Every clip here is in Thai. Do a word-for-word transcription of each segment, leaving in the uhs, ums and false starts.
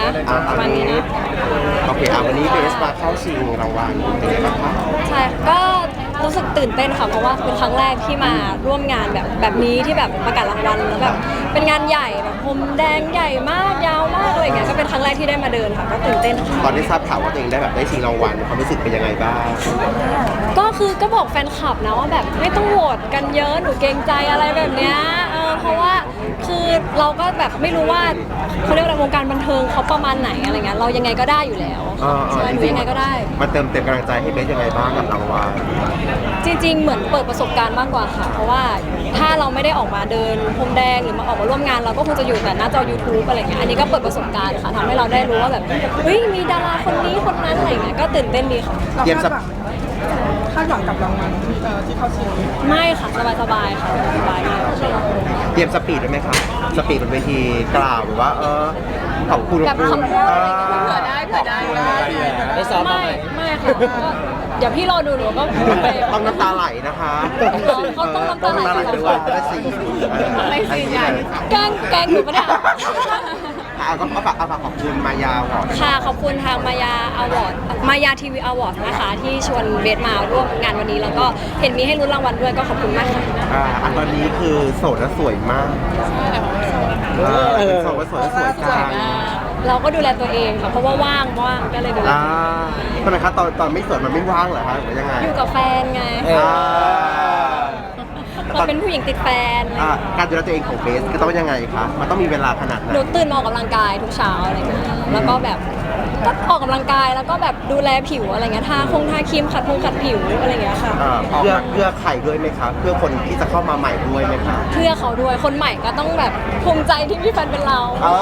ประมาณนี้นะโอเคอ่ะวันนี้เบสมาเข้าชิงรางวัลเป็นไงบ้างคะใช่ก็รู้สึกตื่นเต้นค่ะเพราะว่าเป็นครั้งแรกที่มาร่วมงานแบบแบบนี้ที่แบบประกาศรางวัลแล้วแบบเป็นงานใหญ่แบบพรมแดงใหญ่มากยาวมากอะไรเงี้ยก็เป็นครั้งแรกที่ได้มาเดินค่ะก็ตื่นเต้นค่ะตอนได้ทราบข่าวว่าตัวเองได้แบบได้ชิงรางวัลความรู้สึกเป็นยังไงบ้างก็คือก็บอกแฟนคลับนะว่าแบบไม่ต้องโหวตกันเยอะหนูเกรงใจอะไรแบบเนี้ยเออเพราะว่าคือเราก็แบบไม่รู้ว่าเขาเรียกอะไรวงการบันเทิงเขาประมาณไหนอะไรเงี้ยเรายังไงก็ได้อยู่แล้วใช่หนูยังไงก็ได้มาเติมเต็มกำลังใจให้เบสยังไงบ้างกับรางวัลจริงๆเหมือนเปิดประสบการณ์มากกว่าค่ะเพราะว่าถ้าเราไม่ได้ออกมาเดินพรมแดงหรือมาออกมาร่วมงานเราก็คงจะอยู่แต่หน้าจอ YouTube อะไรเงี้ยอันนี้ก็เปิดประสบการณ์ค่ะทำให้เราได้รู้ว่าแบบเฮ้ยมีดาราคนนี้คนนั้นอะไรเงี้ยก็ตื่นเต้นดีค่ะเตรียมสับคาดหวังกับรางวัลที่เขาชิงไม่ค่ะสบายๆค่ะสบายมากเตรียมสปีดได้ไหมครับสปีดบนเวทีกล่าวหรือว่าเออขอบคุณแบบคำพูดอะไรเงี้ยเผื่อได้เผื่อได้ได้ซ้อมไม่ไม่ค่ะเดี๋ยวพี่รอดูหนูก็ไปต้องน้ำตาไหลนะคะเขาต้องน้ำตาไหลด้วยได้สี่ไม่สี่ใหญ่แกล้งแกล้งหนูปะเนี่ยเอาก็เอาฝากเอาฝากขอบคุณมายาวก่อนค่ะขอบคุณทางมายาอวอร์ดมายาทีวีอวอร์ดนะคะที่ชวนเบสมาร่วมงานวันนี้แล้วก็เห็นมีให้ลุ้นรางวัลด้วยก็ขอบคุณมากค่ะอ่าอันตอนนี้คือโสดและสวยมากเออโสดและสวยและสวยจังเราก็ดูแลตัวเองค่ะเพราะว่าว่างว่างก็เลยดูแลอ่าทำไมคะตอนตอนไม่สวยมันไม่ว่างเหรอคะหรือยังไงอยู่กับแฟนไงเราเป็นผู้หญิงติดแฟนการดูแลตัวเองของเบสก็ต้องยังไงคะมันต้องมีเวลาขนาดไหนหนูตื่นมาออกกำลังกายทุกเช้าอะไรเงี้ยแล้วก็แบบก็ออกกำลังกายแล้วก็แบบดูแลผิวอะไรเงี้ยทาคงทาครีมขัดพงขัดผิวอะไรเงี้ยค่ะเพื่อเพื่อใครด้วยไหมคะเพื่อคนที่จะเข้ามาใหม่ด้วยไหมคะเพื่อเขาด้วยคนใหม่ก็ต้องแบบภูมิใจที่มีแฟนเป็นเรา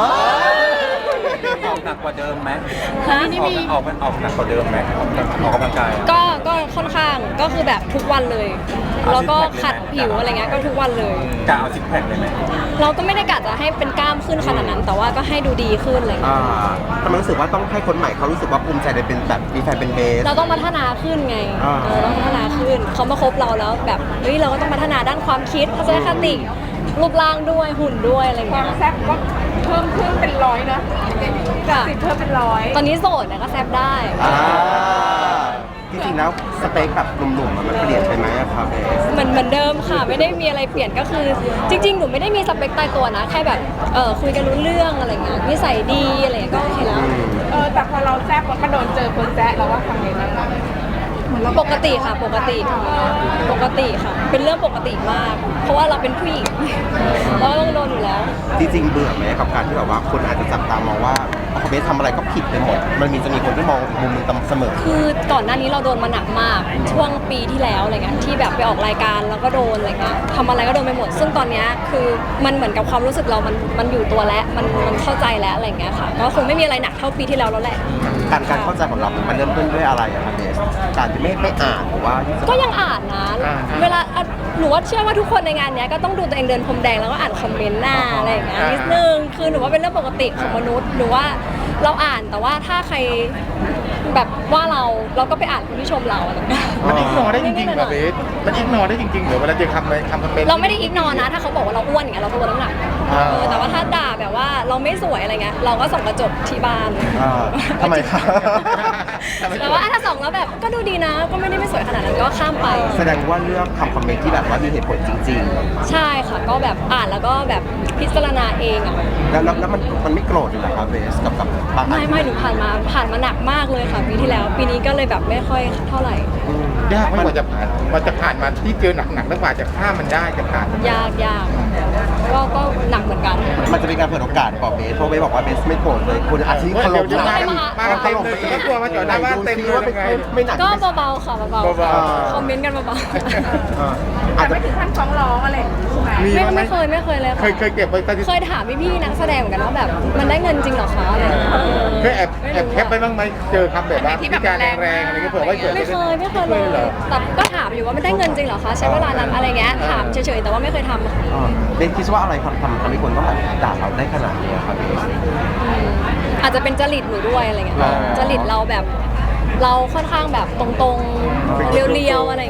ออกหนักกว่าเดิมไหมฮะนี่มีออกออกหนักกว่าเดิมไหมออกกำลังกายก็ก็ค่อนข้างก็คือแบบทุกวันเลยแล้วก็ขัดผิวอะไรเงี้ยก็ทุกวันเลยกะเอาซิกแพคเลยไหมเราก็ไม่ได้กะจะให้เป็นกล้ามขึ้นขนาดนั้นแต่ว่าก็ให้ดูดีขึ้นอะไรเงี้ยทำไมรู้สึกว่าต้องให้คนใหม่เขารู้สึกว่าภูมิใจในเป็นแบบมีแฟนเป็นเบสเราต้องพัฒนาขึ้นไงเราต้องพัฒนาขึ้นเขามาคบเราแล้วแบบเฮ้ยเราก็ต้องพัฒนาด้านความคิดทัศนคติรูปร่างด้วยหุ่นด้วยอะไรเงี้ยความแซ่บก็เพิ่มขึ้นเป็นร้อยนะสิบเพิ่มเป็นร้อยตอนนี้โสดนะก็แซ่บได้จริงๆแล้วสเปคแบบหนุ่มๆมันเปลี่ยนไปไหมครับเบสเหมือนเหมือนเดิมค่ะไม่ได้มีอะไรเปลี่ยนก็คือจริงๆหนูไม่ได้มีสเปคตายตัวนะแค่แบบเออคุยกันรู้เรื่องอะไรเงี้ยนิสัยดีอะไรเงี้ยก็โอเคแล้วเออแต่พอเราแซ่บมันก็โดนเจอคนแซ่เราว่าทำไงบ้างปกติค่ะปกติปกติค่ะเป็นเรื่องปกติมากเพราะว่าเราเป็นผู้หญิงเราต้องโดนอยู่แล้วจริงๆเบื่อไหมกับการที่แบบว่าคนอาจจะจับตามองว่าพอเบสทำอะไรก็ผิดไปหมดมันมีจะมีคนที่มองมุมมึงเสมอคือก่อนหน้านี้เราโดนมาหนักมากช่วงปีที่แล้วอะไรเงี้ยที่แบบไปออกรายการแล้วก็โดนอะไรเงี้ยทำอะไรก็โดนไปหมดซึ่งตอนนี้คือมันเหมือนกับความรู้สึกเรามันมันอยู่ตัวแล้วมันมันเข้าใจแล้วอะไรเงี้ยค่ะก็คงไม่มีอะไรหนักเท่าปีที่แล้วแล้วแหละการการเข้าใจของเรามันเริ่มต้นด้วยอะไรอะครับเบสการที่ไม่ไม่อ่านหรือว่าก็ยังอ่านนะเวลาหนูว่าเชื่อว่าทุกคนในงานนี้ก็ต้องดูตัวเองเดินพรมแดงแล้วก็อ่านคอมเมนต์หน้าอะไรอย่างเงี้ยนิดนึงคือหนูว่าเป็นเรื่องปกติของมนุษย์หนูว่าเราอ่านแต่ว่าถ้าใครแบบว่าเราเราก็ไปอ่านคนที่ชมเราอะไรเงี้ยมันอิกนอได้จริงๆเหรอเบสมันอิกนอได้จริงๆเหรอเวลาเจอคำในคำคอมเมนต์เราไม่ได้อิกนอนะถ้าเขาบอกว่าเราอ้วนอย่างเงี้ยเราก็ลดน้ำหนักแต่ว่าถ้าด่าแบบว่าเราไม่สวยอะไรเงี้ยเราก็ส่องกระจกที่บ้านทำไมครับแต่ว่าถ้าส่องแล้วแบบก็ดูดีนะก็ไม่ได้ไม่สวยขนาดนั้นก็ข้ามไปแสดงว่าเลือกคำคอมเมนต์ที่แบบว่ามีเหตุผลจริงๆใช่ค่ะก็แบบอ่านแล้วก็แบบพิจารณาเองอ่ะแล้วแล้วมันมันไม่โกรธเลยเหรอครับเบสกับกับบางไม่ไม่หนูผ่านมาผ่านมาหนักมากเลยค่ะปีที่แล้วปีนี้ก็เลยแบบไม่ค่อยเท่าไหร่ยากไหมกว่าจะผ่านกว่าจะผ่านมาที่เจอหนักๆแล้วกว่าจะข้ามมันได้จะผ่านยากยากก็ก็หนักเหมือนกันมันจะเป็นการเปิดโอกาสของเบสเพราะเบสบอกว่าเบสไม่โกรธเลยคุณอาชีพถล่มมามาเต็มเลยก็กลัวมาจอดหน้าบ้านเต็มเลยไม่หนักก็เบาๆค่ะเบาๆคอมเมนต์กันเบาๆอาจจะไม่ถึงขั้นฟ้องร้องอะไรไม่ไม่เคยไม่เคยเลยเคยเคยเก็บไว้เคยถามพี่ๆนักแสดงเหมือนกันว่าแบบมันได้เงินจริงหรอคะอะไรเคยแอบแอบแคปไปบ้างไหมเจอคำแบบว่าที่การแรงๆอะไรก็เผื่อว่าเกิดไม่เคยไม่เคยเลยแต่ก็ถามอยู่ว่ามันได้เงินจริงหรอคะใช้เวลานั้นอะไรเงี้ยถามเฉยๆแต่ว่าไม่เคยทำเบสคิดว่าอะไรทำทำทำให้คนต้องแบบด่าเราได้ขนาดนี้ครับอาจจะเป็นจริตหนูด้วยอะไรเงี้ยจริตเราแบบเราค่อนข้างแบบตรงๆเรียวๆอะไรเงี้ย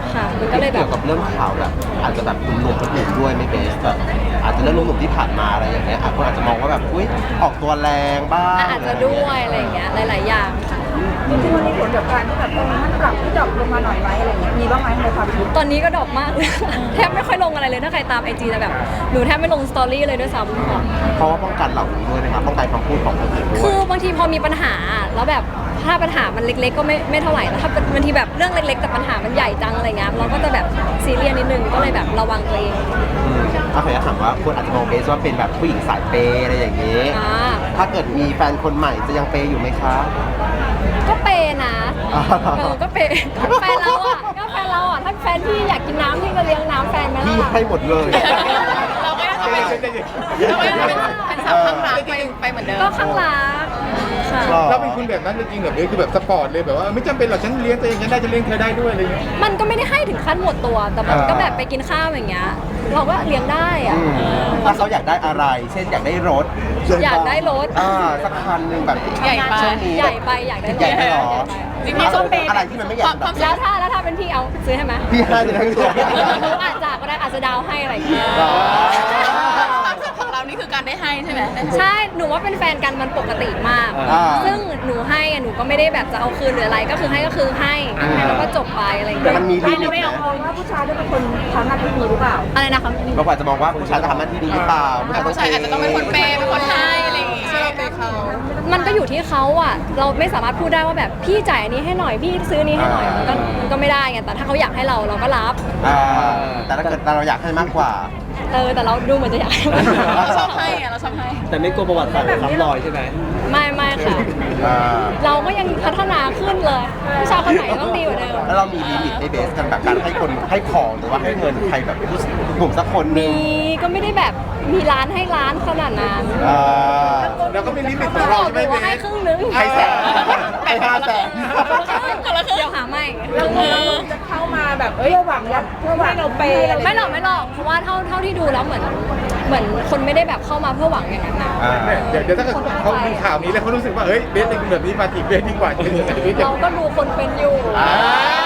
ค่ะมันก็เลยแบเกี่บยวกับเรื่องข่าวแบบอาจจะแบบหนุ่มๆคนอื่นด้วยไม่เบสแบบอาจจะเรื่องหนุ่มๆที่ผ่านมาอะไรอย่างเงี้ยอาจคนอาจจะมองว่าแบบอุ้ยออกตัวแรงบ้างอ่ะอาจจะด้วยอะไรอย่างเงี้ยหลาย ๆ อย่างค่ะจริงๆมันมีผลกับการที่แบบเออมันปรับที่ดรอปลงมาหน่อยไหมอะไรเงี้ยมีบ้างไหมในความคิดตอนนี้ก็ดรอปมากเลย แทบไม่ค่อยลงอะไรเลยถ้าใครตามไอจีจะแบบหนูแทบไม่ลงสตอรี่เลยด้วยซ้ำค่ะเพราะว่าป้องกันเหล่านี้ด้วยนะครับป้องกันคำพูดของคนอื่นด้วคืยอบางทีพอมีปัญหาแล้วแบบถ้าปัญหามันเล็ก ๆ ก็ไม่ไม่เท่าไหร่แต่ถ้าเป็นบางทีแบบเรื่องเล็ก ๆ แต่ปัญหามันใหญ่จังอะไรเงี้ยเราก็จะแบบซีเรียสนิดนึงก็เลยแบบระวังตัวเองอืมโอเคถามว่าคนอาจจะมองเบสว่าเป็นแบบผู้หญิงสายเปย์อะไรอย่างนี้อ่าถ้าเกิดมีแฟนคนใหม่จะยังเปย์อยู่ไหมคะก็เปย์นะอ่าเออก็เปย์แฟนเราอ่ะก็แฟนเราอ่ะถ้าแฟนพี่อยากกินน้ำพี่ก็เลี้ยงน้ำแฟนไหมพี่ล่ะให้หมดเลยเราก็ยังจะเป็นเราก็ยังจะเป็นเป็นสาวข้างรักไปไปเหมือนเดิมก็ข้างรักค่ะหรอเราเป็นคุณแบบนั้นจริงๆแบบนี้คือแบบสปอร์ตเลยแบบว่าไม่จำเป็นหรอกฉันเลี้ยงตัวเองฉันได้จะเลี้ยงเธอได้ด้วยอะไรอย่างเงี้ยมันก็ไม่ได้ให้ถึงขั้นหมดตัว แต่มันก็แบบไปกินข้าวอย่างเงี้ย เราก็เลี้ยงได้อะอืมถ้าเขาอยากได้อะไร เช่นอยากได้รถอยากได้รถอ่าสักคันหนึ่งแบบใหญ่ไปช่วงนี้ใหญ่ไปอยากได้รถใหญ่ไปเหรอจริงๆส้มเปย์อะไรที่มันไม่ใหญ่แบบแล้วถ้าแล้วถ้าเป็นพี่เอาซื้อให้ไหมพี่ให้เลยนะพี่หนูอาจจะก็ได้อาจจะดาวให้อะไรอย่างเงี้ยอ๋อความสุขของเรานี่คือการได้ให้ใช่ไหมใช่ หนูว่าเป็นแฟนกันมันปกติมากอ่าซึ่งหนูให้อะหนูก็ไม่ได้แบบจะเอาคืนหรืออะไร ก็คือให้ก็คือให้ให้แล้วก็จบไปอะไรอย่างแต่เงี้ยมันมีลิมิตไม่นะเอาว่าผู้ชายต้องเป็นคนทำหน้าที่นี้หรือเปล่าอะไรนะคะบางคนอาจจะมองว่าผู้ชายจะทำหน้าที่ดีหรือเปล่าผู้ชายต้องผู้ชายอาจจะต้องเป็นคนเปย์เป็นคนให้อะไรอย่างงี้ใช่เราเปย์เขามันก็อยู่ที่เขาอ่ะ เราไม่สามารถพูดได้ว่าแบบพี่จ่ายอันนี้ให้หน่อย พี่ซื้ออันนี้ให้หน่อย มันก็มันก็ไม่ได้ไง แต่ถ้าเขาอยากให้เราเราก็รับอ่าแต่ถ้าเกิดเราอยากให้มากกว่าเออ แต่เราดูเหมือนจะอยากให้มันเราชอบให้อะเราชอบให้แต่ไม่กลัวประวัติศาสตร์ซ้ำรอยใช่ไหมไม่ไม่ค่ะอ่าเราก็ยังพัฒนาขึ้นเลยผู้ชายคนไหนต้องดีกว่าเดิมแล้วเรามีลิมิตในเบสกันแบบการให้คนให้ของหรือว่าให้เงินใครแบบผู้กลุ่มสักคนหนึมีงก็ไม่ได้แบบมีร้านให้ร้านขนาดนั้นอ่าเราก็มีลิมิตขบองเราอกใช่อไหมยู่ว่าให้ครึ่งนึงให้แสนให้ห้าแสนเดี๋ยวหาไม่จะเข้ามาแบบเอ้ยหวังแบบเพื่อหวังเราเปย์อะไรไม่หรอกไม่หรอกเพราะว่าเท่าเท่าที่ดูแล้วเหมือนเหมือนคนไม่ได้แบบเข้ามาเพื่อหวังอย่างนั้นนะอ่าเดี๋ยวเดี๋ยวถ้าเกิดเขาดูข่าวนี้แล้วเขารู้สึกว่าเฮ้ยเบสเป็นแบบนี้มาจีบเบสดีกว่าจะเป็นยังไงเบสจะเราก็ดูคนเป็นอยู่อ่า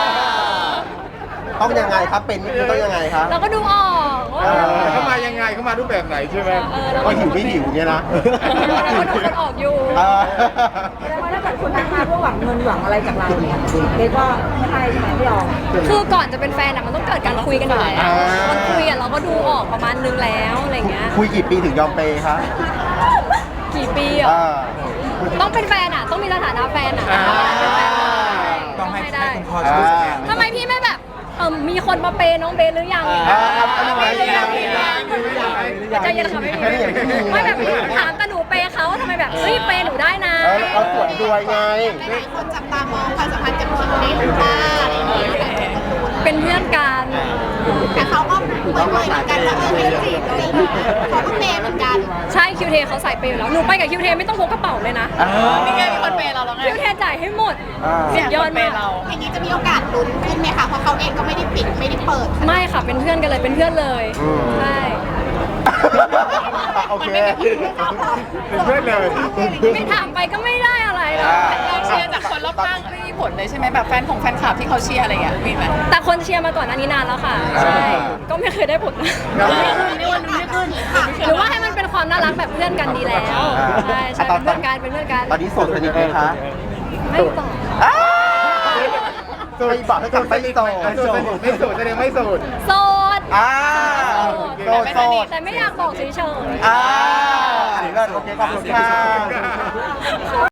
ต้องยังไงครับเป็นนี่คือต้องยังไงครับเราก็ดูออกว่าเออเขามายังไงเขามารูปแบบไหนใช่ไหมเออเราก็ก็หิวไม่หิวเนี่ยนะเราก็ดูคนออกอยู่อ่าแต่ว่าถ้าเกิดคนทักมาเพื่อหวังเงินหวังอะไรจากเราเนี่ยเบสก็ไม่ให้ใช่ไหมไม่ยอมคือก่อนจะเป็นแฟนอะมันต้องเกิดการคุยกันอยู่แล้วอ่ามันคุยอะเราก็ดูออกประมาณนึงแล้วอะไรเงี้ยคุยกี่ปีถึงยอมเปย์คะกี่ปีอะอ่าต้องเป็นแฟนอะต้องมีสถานะแฟนอะอ่าเป็นแฟนอะต้องให้ได้ให้คุณพ่อช่วยสแกนทำไมพี่ไม่แบบเออมีคนมาเปย์น้องเบสหรือยังอย่างอ่าเงี้ยอันนี้ไม่ไม่หรือยัยังงใจเย็นค่ะไม่มีไม่ยังไม่มีไม่แบบถามแต่หนูเปย์เขาทำไมแบบเฮ้ยเปย์หนูได้นะเออเราสวนด้วยไงหลายคนจับตามองความสัมพันธ์กับคิมเบสคุณป้าอะไรอย่างเงี้ยเป็นเพื่อนกันแต่เขาก็เปิดเผยเหมือนกันว่าเออไม่จีบเลยเขาก็เปย์เหมือนกันใช่คิวเทเขาใส่เปย์อยู่แล้วหนูไปกับคิวเทไม่ต้องพกกระเป๋าเลยนะอ่านี่ไงมีคนเปย์เราแล้วไงคิวเทจ่ายให้หมดอ่าสุดยอดมากอย่างนี้จะมีโอกาสลุ้นขึ้นไหมคะเพราะเขาเองก็ไม่ได้ปิดไม่ได้เปิดไม่ค่ะเป็นเพื่อนกันเลยเป็นเพื่อนเลยอืมใช่โอเคเป็นเพื่อนเลยไม่ถามไปก็ไม่ได้อะไรหรอกอ่าเราเชียร์จากคนรอบข้างไม่มีผลเลยใช่ไหมแบบแฟนของแฟนคลับที่เขาเชียร์อะไรอย่างเงี้ยมีไหมแต่คนเชียร์มาก่อนอันนี้นานแล้วค่ะ ใช่ ก็ไม่เคยได้ผลนะไม่วันนี้ไม่ขึ้นหรือว่าให้มันเป็นความน่ารักแบบเพื่อนกันดีแล้วอ่าใช่ใช่เป็นเพื่อนกันเป็นเพื่อนกันตอนนี้โสดสนิทไหมคะไม่ต่ออ้าวไม่บอกให้กันไม่โสดไม่โสดไม่โสดแสดงไม่โสดโสดอ่าโสดโสดแต่ไม่อยากบอกเฉยๆอ่าอันนี้เลิศโอเคขอบคุณค่ะ